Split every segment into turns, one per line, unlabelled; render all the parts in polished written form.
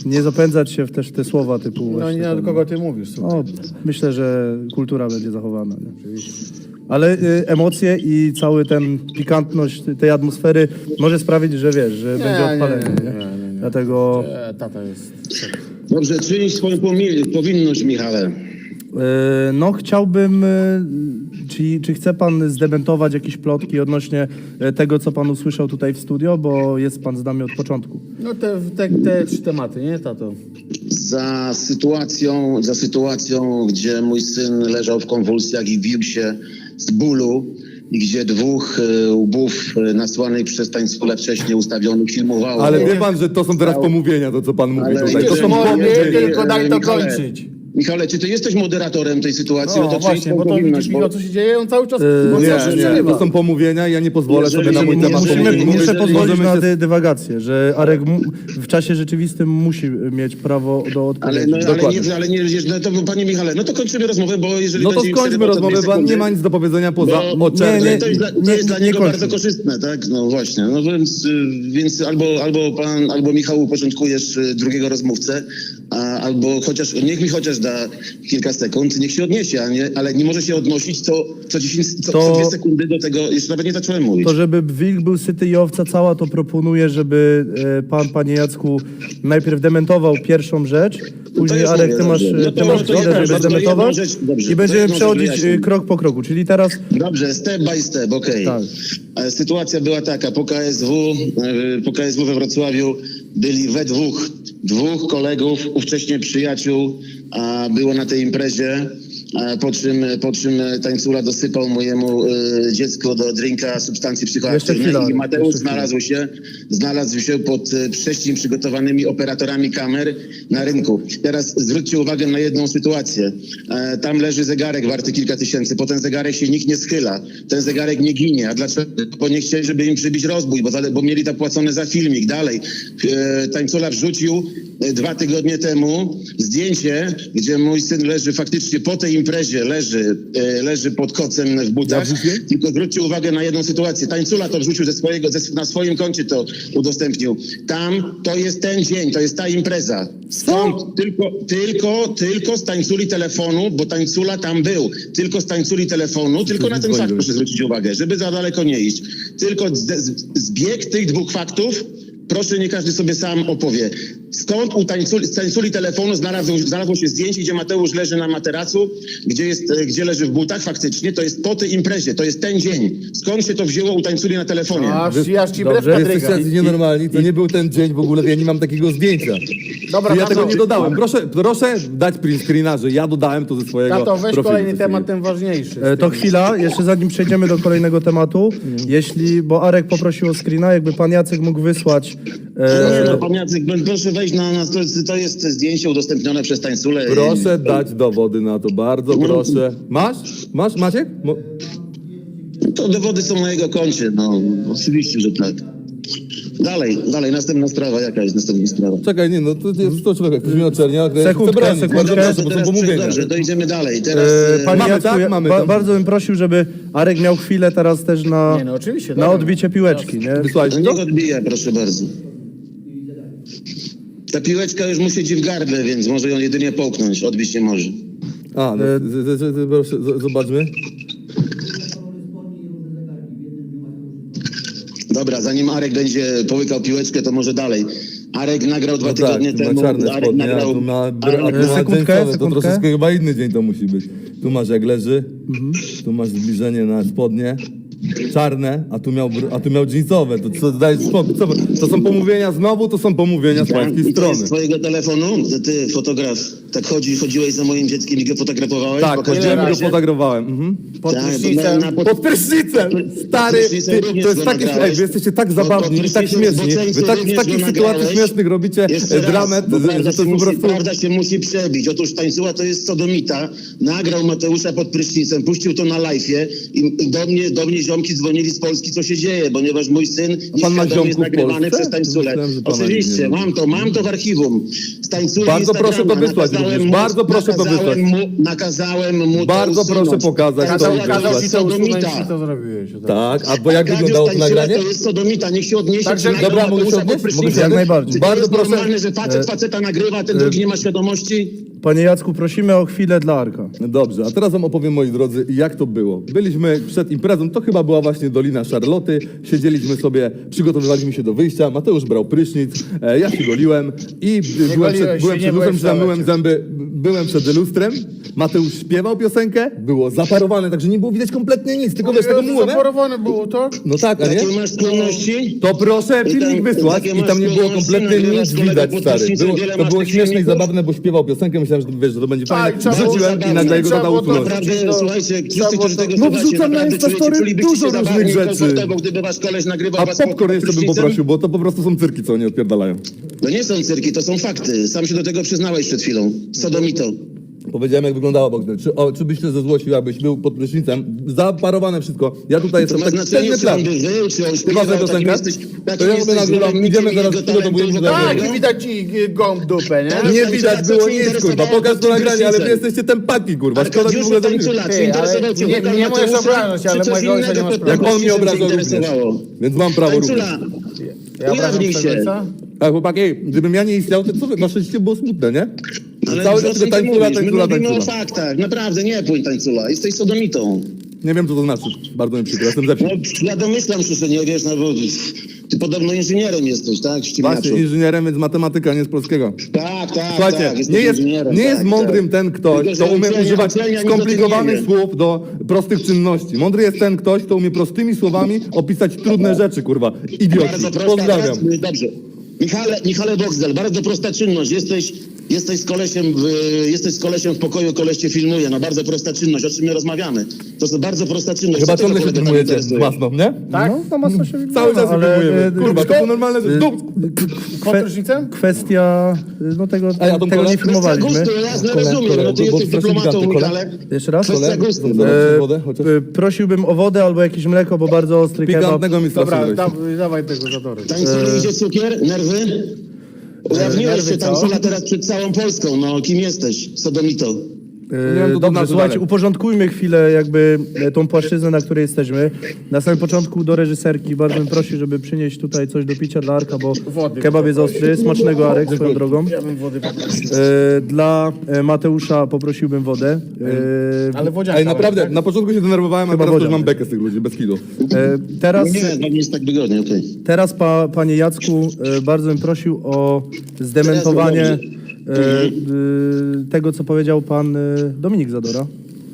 nie zapędzać się też w te słowa typu...
No
właśnie
nie
tam-
do kogo ty mówisz, słuchaj.
O, myślę, że kultura będzie zachowana. Nie? Ale emocje i cały ten pikantność tej atmosfery może sprawić, że wiesz, że będzie odpalenie. Nie? Dlatego
Tata jest...
Dobrze, czynić swoją powinność, Michale.
no chciałbym, czy chce pan zdementować jakieś plotki odnośnie tego, co pan usłyszał tutaj w studio, bo jest pan z nami od początku.
No te trzy tematy, nie, tato?
Za sytuacją, gdzie mój syn leżał w konwulsjach i bił się z bólu i gdzie dwóch łbów nasłanych przez tańcule wcześniej ustawionych filmowało.
Ale wie pan, że to są teraz pomówienia, to co pan mówi
Ale
tutaj. To
widzisz,
są
mówię,
pomówienia.
tylko daj to
Michale,
kończyć.
Michale, czy ty jesteś moderatorem tej sytuacji?
No
to
właśnie,
czyń
bo to
powinność,
widzisz, co się dzieje, on cały czas...
Nie, to są pomówienia, ja nie pozwolę sobie na mój temat pomówień.
Muszę pozwolić
Możemy
na
się-
dywagację, że Arek w czasie rzeczywistym musi mieć prawo do odpowiedzi.
ale nie, no to panie Michale, no to kończymy rozmowę, bo jeżeli
No to
będzie
skończmy
przerywał co
rozmowę,
dwie
bo nie
sekundy,
ma nic do powiedzenia poza
bo
oczernieniem.
to jest dla niego
kończmy.
bardzo korzystne, tak? No właśnie, no więc albo pan, albo Michał uporządkujesz drugiego rozmówcę, albo niech mi chociaż da kilka sekund, niech się odniesie, ale nie może się odnosić co 2 sekundy do tego, jeszcze nawet nie zacząłem mówić.
To żeby wilk był syty i owca cała, to proponuję, żeby panie Jacku, najpierw dementował pierwszą rzecz, później
już
Arek,
mówię,
ty masz
dobrze. No to-
temat,
no to ja
żeby
też, to
zdementować
jedną rzecz, dobrze,
i
to
będziemy
jedną rzecz
przechodzić
wyjaśnię.
krok po kroku, czyli teraz
Dobrze, step by step, okej.
Tak.
Sytuacja była taka, po KSW we Wrocławiu byli we dwóch kolegów, ówcześnie przyjaciół, było na tej imprezie, po czym tańcula dosypał mojemu dziecku do drinka substancje psychoaktywne
chwila,
i Mateusz
jeszcze chwila.
znalazł się pod prześcig przygotowanymi operatorami kamer na rynku. Teraz zwróćcie uwagę na jedną sytuację. Tam leży zegarek warty kilka tysięcy, po ten zegarek się nikt nie schyla, ten zegarek nie ginie. A dlaczego? Bo nie chcieli, żeby im przybić rozbój, bo mieli zapłacone za filmik. Dalej, tańcula wrzucił 2 tygodnie temu zdjęcie, gdzie mój syn leży faktycznie po tej imprezie, leży pod kocem w butach. Tylko zwróćcie uwagę na jedną sytuację. Tańcula to wrzucił na swoim koncie to udostępnił. Tam to jest ten dzień, to jest ta impreza. Skąd? Tylko z tańculi telefonu, bo tańcula tam był. Tylko z tańculi telefonu, tylko na ten fakt proszę zwrócić uwagę, żeby za daleko nie iść. Tylko zbieg tych 2 faktów, proszę, nie każdy sobie sam opowie. Skąd z tańculi telefonu znalazło się zdjęcie, gdzie Mateusz leży na materacu, gdzie leży w butach faktycznie, to jest po tej imprezie, to jest ten dzień. Skąd się to wzięło u tańculi na telefonie?
Aż ci brew
Dobrze,
kadryga.
Jesteście jacyś nienormalni, to nie był ten dzień w ogóle, ja nie mam takiego zdjęcia.
Dobra,
Ja
tato,
tego nie dodałem. Proszę dać print screena, że ja dodałem to ze swojego
Tato, weź
profilu.
kolejny temat, ten ważniejszy.
to chwila, jeszcze zanim przejdziemy do kolejnego tematu, bo Arek poprosił o screena, jakby pan Jacek mógł wysłać.
Nie, no, pan Jacek, proszę wejść to jest zdjęcie udostępnione przez tańculę.
Proszę dać dowody na to, bardzo proszę. Masz, Maciek?
To dowody są na jego koncie, no oczywiście, że tak. Dalej, następna sprawa, jaka jest następna sprawa?
Czekaj, nie, no to jest to człowiek, ktoś mnie oczernia,
Sekundkę.
No
bo są pomówienia.
dobrze, to idziemy dalej. Teraz
Panie
Mamy,
Jacku,
tak?
ja
Mamy to.
bardzo bym prosił, żeby Arek miał chwilę teraz też na,
Nie, no oczywiście,
na
dobra.
odbicie piłeczki, nie?
Wysłałeś
no
to?
niech odbija, proszę bardzo. Ta piłeczka już mu siedzi w gardle, więc może ją jedynie połknąć, odbić nie może.
A, no, proszę, zobaczmy.
Dobra, zanim Arek będzie połykał piłeczkę, to może dalej. Arek nagrał 2 tygodnie
tu ma
temu.
czarne
Arek
spodnie,
nagrał.
a tu ma
Sekundkę,
jeńcowe, to
sekundkę.
troszeczkę chyba inny dzień to musi być. Tu masz jak leży, tu masz zbliżenie na spodnie, czarne, a tu miał jeansowe. To co, daj spokój, to są pomówienia znowu, to są pomówienia z pańskiej
I to
strony.
jest z twojego telefonu? Ty, fotograf, tak chodziłeś za moim dzieckiem i go fotografowałeś?
Tak,
Pokaż
chodziłem i go
razie.
fotografowałem. Mhm.
Pod
Tak,
prysznicem.
Pod prysznicem! Stary,
prysznicem również
to jest
go
takie,
nagrałeś.
wy jesteście tak
Pod
zabawni i tak
prysznicem
śmieszni.
z boceńcu
Wy tak, z
również
takich
go
sytuacji
nagrałeś.
śmiesznych robicie
Jeszcze raz,
dramat,
bo
że to jest po prostu...
prawda się musi przebić. Otóż tańcuła to jest sodomita. Nagrał Mateusza pod prysznicem, puścił to na live'ie i do mnie ziomki dzwonili z Polski, co się dzieje, ponieważ mój syn
pan ma
nieświadomie jest
ziomków w
nagrywany
Polsce?
przez tańculę.
Myślałem, że pana
Oczywiście,
nie
mam to w archiwum. Z tańculi
Bardzo proszę to
Instagrama.
wysłać
Nakazałem
również.
mu-
Bardzo proszę to
nakazałem
wysłać.
Nakazałem mu to
Bardzo
usunąć.
proszę pokazać to i
Kazał
wysłać.
ci to usunąć
Sodomita.
i to zrobiłeś.
Tak, a bo jak
Arkadiusz
wyglądało to
Tańcula
nagranie?
To jest sodomita, niech się odniesie.
Także-
czy nagrał
Dobra, mogę się
Mateusza
odnieść?
pod prysznicem.
Mogę się
Jak najbardziej.
Czy to
Bardzo
jest
proszę-
normalne, że faceta nagrywa, a ten drugi nie ma świadomości?
Panie Jacku, prosimy o chwilę dla Arka.
Dobrze, a teraz wam opowiem, moi drodzy, jak to było. Byliśmy przed imprezą, to chyba była właśnie Dolina Szarloty, siedzieliśmy sobie, przygotowywaliśmy się do wyjścia, Mateusz brał prysznic, ja się goliłem i byłem
goliłeś
przed,
się,
byłem
nie
przed
byłeś
lustrem,
w toalecie.
myłem zęby, byłem przed lustrem, Mateusz śpiewał piosenkę, było zaparowane, także nie było widać kompletnie nic, tylko wiesz, tego mułę, nie?
Zaporowane było, tak?
No tak, a nie?
Jakie masz skłonności?
To proszę
I
filmik
tam-
wysłać
takie
i tam nie
masz
było
skłonności,
kompletnie
nagrywasz
nic
kolegę
widać,
pod
stary.
prysznicem, wiele
To
masz
było
tych
śmieszne i
filmików?
zabawne, bo śpiewał piosenkę, myślałem, że wiesz, że to będzie
Tak,
fajne.
trzeba było
Wrzuciłem i
zabawne.
nagle jego
Trzeba
tata
było to
usunął.
Naprawdę,
No,
słuchajcie,
trzeba
wszyscy, którzy
było
tego
to-
No
słuchacie,
wrzucam na
naprawdę
Instastory
czulibyście
dużo
się
różnych
zabawnie i
rzeczy.
komfortowo, gdyby wasz koleś nagrywał
A
was pod
popcorn jeszcze bym
prysznicem.
poprosił, bo to po prostu są cyrki, co oni odpierdalają.
To nie są cyrki, to są fakty. Sam się do tego przyznałeś przed chwilą. Sodomito.
Powiedziałem, jak wyglądało Bogdan. Czy byś się zezłościł, jakbyś był pod prysznicem? Zaparowane wszystko. Ja tutaj
To
jestem
ma
tak
znaczenie, czy
plan.
on by żył, czy on
Ty
śpiewał,
masz tę
takim
piosenkę?
jesteś,
To
takim
ja
jesteś
nagrywam.
zwolennikiem
Idziemy zaraz
jego
w studio, to
talentu
będziemy
wokalnego.
Tak, i widać ci gąb w dupę, nie?
Tak.
Nie
Tańcula,
widać
co
było
cię
nic, kurwa.
interesowało
Pokaż to
pod
nagranie, ale wy
prysznicem?
jesteście tempaki, kurwa. Szkoda mi w
Arkadiuszu
ogóle tego...
Tańcula, czy
Ty, ale
interesował cię
nie-
wokal
nie możesz
Mateusza,
obrażać, ale
czy coś
mojego ojca
innego
nie masz
pod
prawa.
Jak on mnie
prysznicem
obrażał
cię
również.
interesowało?
Więc mam prawo również.
Tańcula,
Ja
ujawnij
obrażam
się.
twojego ojca?
A chłopaki, gdybym ja nie istniał, to co wy? Wasze życie było smutne, nie?
Ale
Cały
co
czas
ty
tylko tańcula,
mówisz? My
tańcula,
mówimy o
tańcula.
faktach, naprawdę, nie płyń tańcula. Jesteś sodomitą.
Nie wiem, co to znaczy. Bardzo mi przykro, jestem ze wsi.
No, ja domyślam się, że nie wiesz, no bo ty podobno inżynierem jesteś, tak? Ściemniaczu.
Właśnie, inżynierem, więc matematyka, nie z polskiego.
Tak, tak,
Słuchajcie,
tak.
nie jest,
inżynierem,
nie jest
tak,
mądrym
tak.
ten ktoś,
Tylko,
kto
że
umie
uczelnia-
używać
uczelnia nic o tym
skomplikowanych
nie wie.
słów do prostych czynności. Mądry jest ten ktoś, kto umie prostymi słowami opisać trudne rzeczy, kurwa. Idioci.
Bardzo prosta,
Pozdrawiam.
Dobrze. Michale Boxdel, bardzo prosta czynność. Jesteś z kolesiem w pokoju, koleś cię filmuje. No bardzo prosta czynność, o czym my rozmawiamy. To jest bardzo prosta czynność.
Chyba
Co tego
ciągle się
kolegę tak
filmujecie
interesuje?
masną, nie?
Tak?
No, to mocno się
Cały
wygląda,
czas się
ale,
filmujemy. Kurwa, to są normalne rzeczy.
Pod prysznicem?
Kwestia, no tego,
A ja tą
tego
kolę?
nie
Kwestia
filmowaliśmy.
gustu, jasne, rozumiem. No ty
bo
jesteś
strasznie
dyplomatą,
gigantny, kole.
Michale.
Jeszcze raz?
Kwestia gustu.
Wodę, chociaż.
Prosiłbym o wodę albo jakieś mleko, bo bardzo ostry kebab.
Pikantnego mi
Dobra,
strasznie.
dawaj tego zadory.
Tańculi idzie cukier, nerwy? Ujawniłeś
nerwy
się
co?
tańcula teraz przed całą Polską. No kim jesteś? Sodomito.
Nie wiem, to
Dobrze,
znaczy
słuchajcie,
dalej.
uporządkujmy chwilę jakby tą płaszczyznę, na której jesteśmy. Na samym początku do reżyserki bardzo bym prosił, żeby przynieść tutaj coś do picia dla Arka, bo
Wody.
kebab jest ostry. Smacznego, Arek, swoją drogą.
Ja bym wody poprosił.
Dla Mateusza poprosiłbym wodę.
Ale wodzianka.
Ej, naprawdę, na początku się denerwowałem, a
Chyba
teraz już
wodzian
mam bekę z tych ludzi, bez kidu.
Teraz,
Nie, no nie jest tak wygodnie, okej.
teraz panie Jacku, bardzo bym prosił o zdementowanie tego, co powiedział pan Dominik Zadora.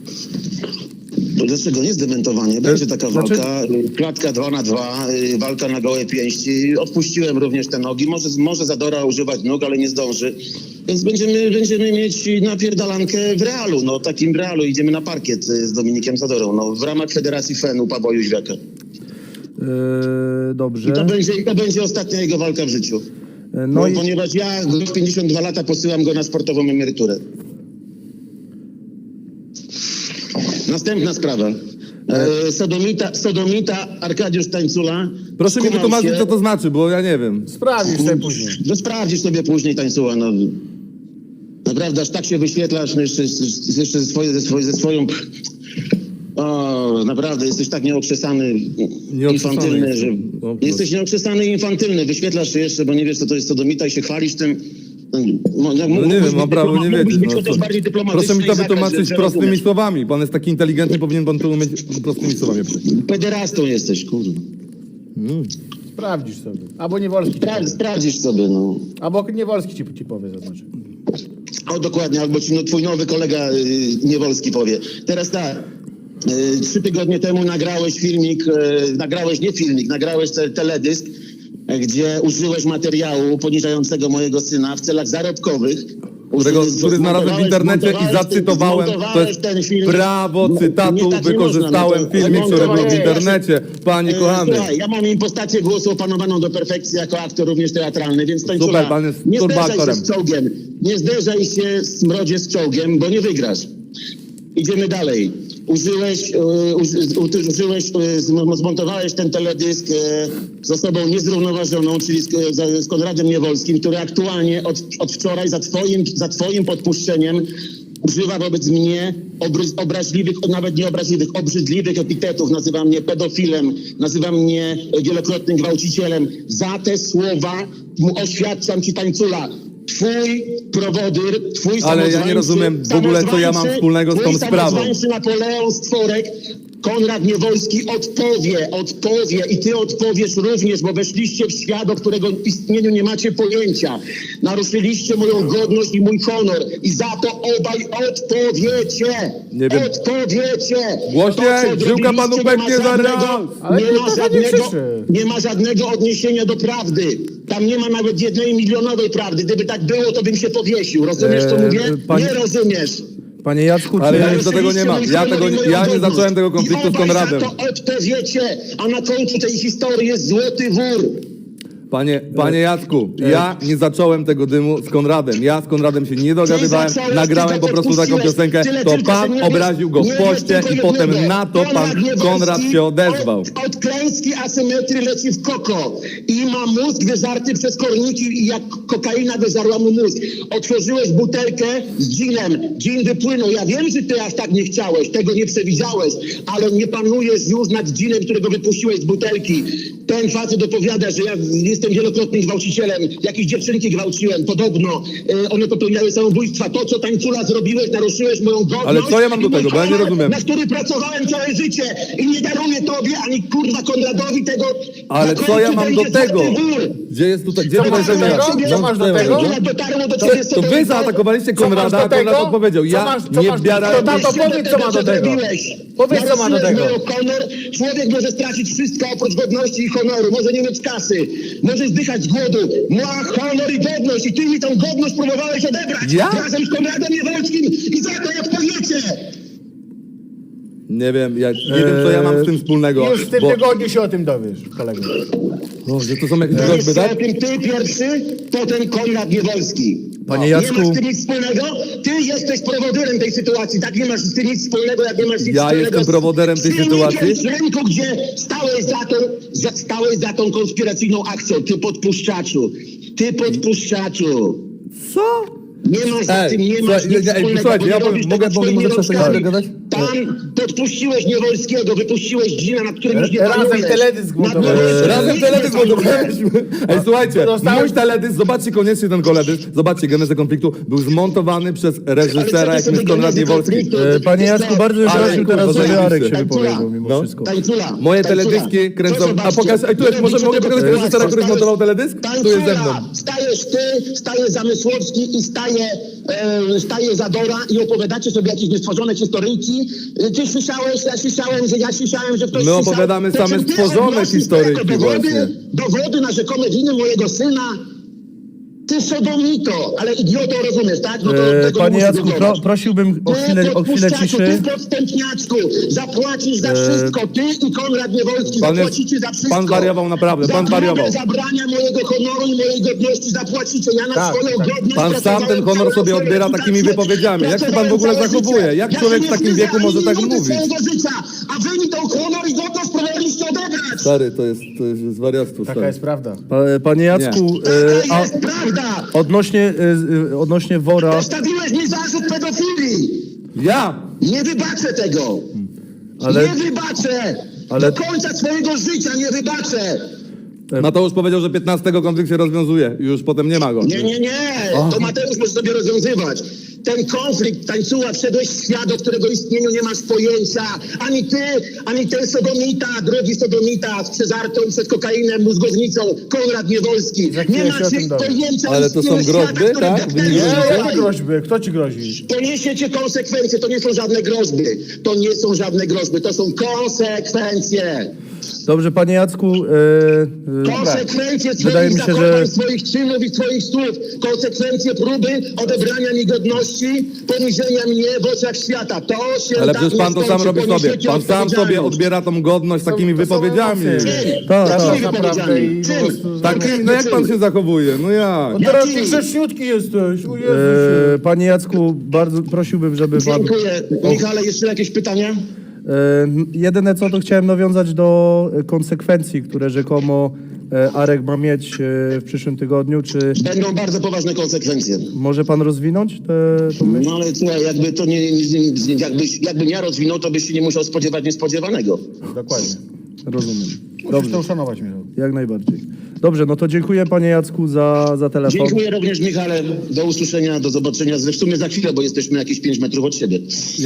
To dlaczego nie zdementowanie? Będzie taka
Znaczy-
walka, klatka 2 na 2, walka na gołe pięści. Odpuściłem również te nogi. Może Zadora używać nóg, ale nie zdąży. Więc będziemy mieć napierdalankę w realu. No takim realu idziemy na parkiet z Dominikiem Zadorą. No, w ramach Federacji FEN-u Pawła Jóźwiaka.
Dobrze.
I to będzie ostatnia jego walka w życiu.
No i
Ponieważ ja w 52 lata posyłam go na sportową emeryturę. Następna sprawa. Sodomita Arkadiusz Tańcula.
Proszę mi
skumał
wytłumaczyć,
się-
co to znaczy, bo ja nie wiem.
Sprawdzisz sobie później.
No sprawdzisz sobie później Tańcula. No. Naprawdę, aż tak się wyświetlasz, no jeszcze ze swoją... O, naprawdę, jesteś tak nieokrzesany, infantylny, że...
No,
Jesteś nieokrzesany i infantylny. Wyświetlasz się jeszcze, bo nie wiesz, co to jest sodomita i się chwalisz tym. No
nie wiem, mam prawo nie wiedzieć.
Być
No,
chociaż
co?
bardziej dyplomatyczny
Proszę mi to
i zagrać,
wytłumaczyć
że
prostymi
rozumiesz.
słowami. Pan jest taki inteligentny, powinien pan to umieć prostymi słowami przejść.
Pederastą jesteś, kurwa.
Sprawdzisz sobie. Albo Niewolski ci powie.
Sprawdzisz sobie, no.
Albo Niewolski ci powie, zaznaczy.
O, dokładnie, albo ci twój nowy kolega Niewolski powie. Teraz tak. 3 tygodnie temu nagrałeś teledysk, gdzie użyłeś materiału poniżającego mojego syna w celach zarobkowych.
Który znalazłem w internecie i zacytowałem. To jest prawo cytatu, wykorzystałem filmik, który był w internecie. Panie kochany.
Słuchaj, ja mam impostację głosu opanowaną do perfekcji jako aktor również teatralny, więc
Super,
Tańcula,
pan jest
nie zderzaj się
turboaktorem.
z czołgiem. Nie zderzaj się, smrodzie, z czołgiem, bo nie wygrasz. Idziemy dalej. zmontowałeś ten teledysk z osobą niezrównoważoną, czyli z Konradem Niewolskim, który aktualnie od wczoraj za twoim podpuszczeniem używa wobec mnie obraźliwych, nawet nie obraźliwych, obrzydliwych epitetów. Nazywa mnie pedofilem, nazywa mnie wielokrotnym gwałcicielem. Za te słowa oświadczam ci, tańcula, twój prowodyr, twój
Ale ja nie rozumiem w ogóle, co ja mam wspólnego z tą sprawą.
samozwańczy Napoleon Stworek, Konrad Niewolski odpowie i ty odpowiesz również, bo weszliście w świat, o którego istnieniu nie macie pojęcia. Naruszyliście moją godność i mój honor i za to obaj odpowiecie.
Nie wiem.
Odpowiecie.
Głośniej,
To, co
żyłka panu
zrobiliście,
pęknie za raz.
Ale
nie ma żadnego odniesienia do prawdy. Tam nie ma nawet 1 milionowej prawdy. Gdyby tak było, to bym się powiesił. Rozumiesz, co mówię? Nie rozumiesz.
Panie Jacku,
Ale
czy...
ja nic do tego nie mam. Ja nie zacząłem tego konfliktu z Konradem.
I obaj za to odpowiecie, a na końcu tej historii jest złoty wór.
Panie Jacku, ja nie zacząłem tego dymu z Konradem. Ja z Konradem się nie dogadywałem,
zacząłeś,
nagrałem
ty
po prostu taką
podpuściłeś.
piosenkę,
Tyle
to
tylko, że
pan
nie
obraził go
wiesz-
w
nie wiesz
poście
tylko
i potem
jednego.
na to pan
Niewolski
Konrad się odezwał.
Od klęski asymetrii leci w koko i ma mózg wyżarty przez korniki i jak kokaina wyżarła mu mózg. Otworzyłeś butelkę z ginem, gin wypłynął. Ja wiem, że ty aż tak nie chciałeś, tego nie przewidziałeś, ale nie panujesz już nad ginem, którego wypuściłeś z butelki. Ten facet opowiada, że ja jestem wielokrotnym gwałcicielem, jakieś dziewczynki gwałciłem, podobno. One popełniały samobójstwa. To, co tańcula zrobiłeś, naruszyłeś moją godność.
Ale co ja mam do
i mój
tego, bo ja nie
honor,
rozumiem.
Na który pracowałem całe życie i nie daruję tobie, ani kurwa Konradowi tego.
Ale
Na
co ja
końcu
mam do
będzie
tego?
złoty wór.
Gdzie jest tutaj, gdzie
Co
tutaj
masz do
ziemia?
tego? Co masz do tego?
Konrad dotarło do ciebie,
To wy zaatakowaliście
Co masz
Konrada,
do
a Konrad
tego?
odpowiedział.
Co
Ja
masz- co
nie
masz-
wbierałem...
to tato, powiedz, co ma do tego. Powiedz, co ma do tego.
Honor. Człowiek może stracić wszystko oprócz godności i honoru. Może nie mieć kasy. Może zdychać z głodu. Ma honor i godność. I ty mi tą godność próbowałeś odebrać.
Ja?
Razem z Konradem Niewolskim. I za to jak powiecie.
Nie wiem, nie wiem, co ja mam z tym wspólnego.
Już w tym
bo-
tygodniu się o tym dowiesz, kolego.
Że to są jakieś
Dowiesz
groźby,
się
tak?
o tym ty pierwszy, potem Konrad Niewolski.
Panie
Nie masz
Jacku,
z tym nic wspólnego? Ty jesteś prowodyrem tej sytuacji. Tak, nie masz z tym nic wspólnego, jak nie masz nic
Ja
wspólnego
jestem
z
prowodyrem tej
filmikiem
sytuacji?
z rynku, gdzie stałeś za tą konspiracyjną akcją. Ty podpuszczaczu. Ty podpuszczaczu.
Co?
Nie masz za tym, nie masz nic wspólnego.
Słuchajcie,
bo
ja
nie robisz
mogę
tego swoimi
przestać
rączkami.
gadać?
Tam podpuściłeś Niewolskiego, wypuściłeś Gina, nad którym już nie
Razem
panujesz.
teledysk montowałeś.
Razem teledysk montowaliśmy. Ej, słuchajcie,
Dostałeś-
mój teledysk, zobaczcie koniecznie ten teledysk, zobaczcie genezę konfliktu, był zmontowany przez reżysera, jakim jest Konrad Niewolski.
panie Jacku, bardzo bym
Ale,
prosił
kurwa,
teraz, żeby
zajebiście.
Arek się
Tańcula.
wypowiedział mimo
No.
wszystko.
Tańcula.
Moje
Tańcula.
teledyski kręcą...
Proszę
A
zobaczcie.
pokaż, tu jest,
Robicie
mogę
tego
pokazać
kłamstwa.
reżysera, który zmontował teledysk? Tu jest ze mną.
Stajesz ty, staje Zamysłowski i staje Zadora i opowiadacie sobie jakieś niestworzone historyjki. Ty słyszałeś, ja słyszałem, że ktoś
My
słyszał.
opowiadamy
To
same
czym ty
stworzone
odnosisz
historyjki
jako
właśnie.
dowody na rzekome winy mojego syna. Ty sodomito, ale idioto, rozumiesz, tak? No to tego
Panie
muszę
Jacku,
wywołać.
prosiłbym o chwilę
podpuszczaczu,
ciszy.
Ty podstępniaczku, zapłacisz za wszystko. Ty i Konrad Niewolski
Pan jest-
zapłacicie za wszystko.
pan wariował naprawdę, pan
za
wariował.
próbę zabrania mojego honoru i mojej godności zapłacicie. Ja na
Tak,
swoją
tak.
godność
Pan sam
pracowałem
ten honor
całe
sobie
swoje
odbiera
życie.
takimi wypowiedziami. Jak się pan w ogóle
Pracowałem całe
zachowuje?
życie.
Jak
Ja
człowiek
się
w takim
nie
wieku
wstydzę
może
ani
tak
minuty
mówić?
swojego życia, a wy mi tą honor i godność próbowaliście odebrać.
Stary, to jest wariactwo,
Taka
stary.
jest prawda.
Panie Jacku,
Taka
a
jest prawda.
odnośnie wora,
Postawiłeś mi zarzut pedofilii.
Ja!
Nie wybaczę tego.
Ale-
Nie wybaczę.
ale-
Do końca swojego życia nie wybaczę.
Mateusz powiedział, że 15 konflikt się rozwiązuje. Już potem nie ma go.
Nie. To Mateusz może sobie rozwiązywać. Ten konflikt, tańcuła, wszedłeś w świat, o którego istnieniu nie masz pojęcia. Ani ty, ani ten sodomita, drogi sodomita z przeżartą przez kokainę mózgownicą, Konrad Niewolski.
Za chwilę
Nie
się o
macie
tym dowiem.
pojęcia o
Ale to są
istnieniu świata,
groźby,
który
tak?
wepchnęli
Wynik
w
groźby?
życie.
Jakie groźby? Kto ci grozi?
Poniesiecie konsekwencje, to nie są żadne groźby. To nie są żadne groźby, to są konsekwencje.
Dobrze, panie Jacku,
Konsekwencje
wydaje
swoich
mi się,
zachowań,
że
swoich czynów i swoich słów. Konsekwencje próby odebrania mi godności, poniżenia mnie w oczach świata. To się
Ale
tak
przecież pan
nie
to sam
skończy.
robi sobie.
Poniesiecie
Pan sam sobie
odpowiedzialność.
odbiera tą godność takimi wypowiedziami.
Tak,
Jakimi
tak.
wypowiedziami? Czym?
Tak, no jak pan się zachowuje? No jak?
Teraz
Jaki?
ty grzeczniutki jesteś, o Jezusie.
Panie Jacku, bardzo prosiłbym, żeby pan...
Dziękuję. Michale, jeszcze jakieś pytania?
Jedyne co, to chciałem nawiązać do konsekwencji, które rzekomo Arek ma mieć w przyszłym tygodniu. Czy
Będą bardzo poważne konsekwencje.
może pan rozwinąć tę myśl?
No ale słuchaj, jakby to jakbym ja rozwinął, to byś się nie musiał spodziewać niespodziewanego.
Dokładnie.
Rozumiem.
Musisz
Dobrze,
to uszanować, Michał.
jak najbardziej. Dobrze, no to dziękuję panie Jacku za telefon.
Dziękuję również, Michale. Do usłyszenia, do zobaczenia. W sumie za chwilę, bo jesteśmy jakieś 5 metrów od siebie.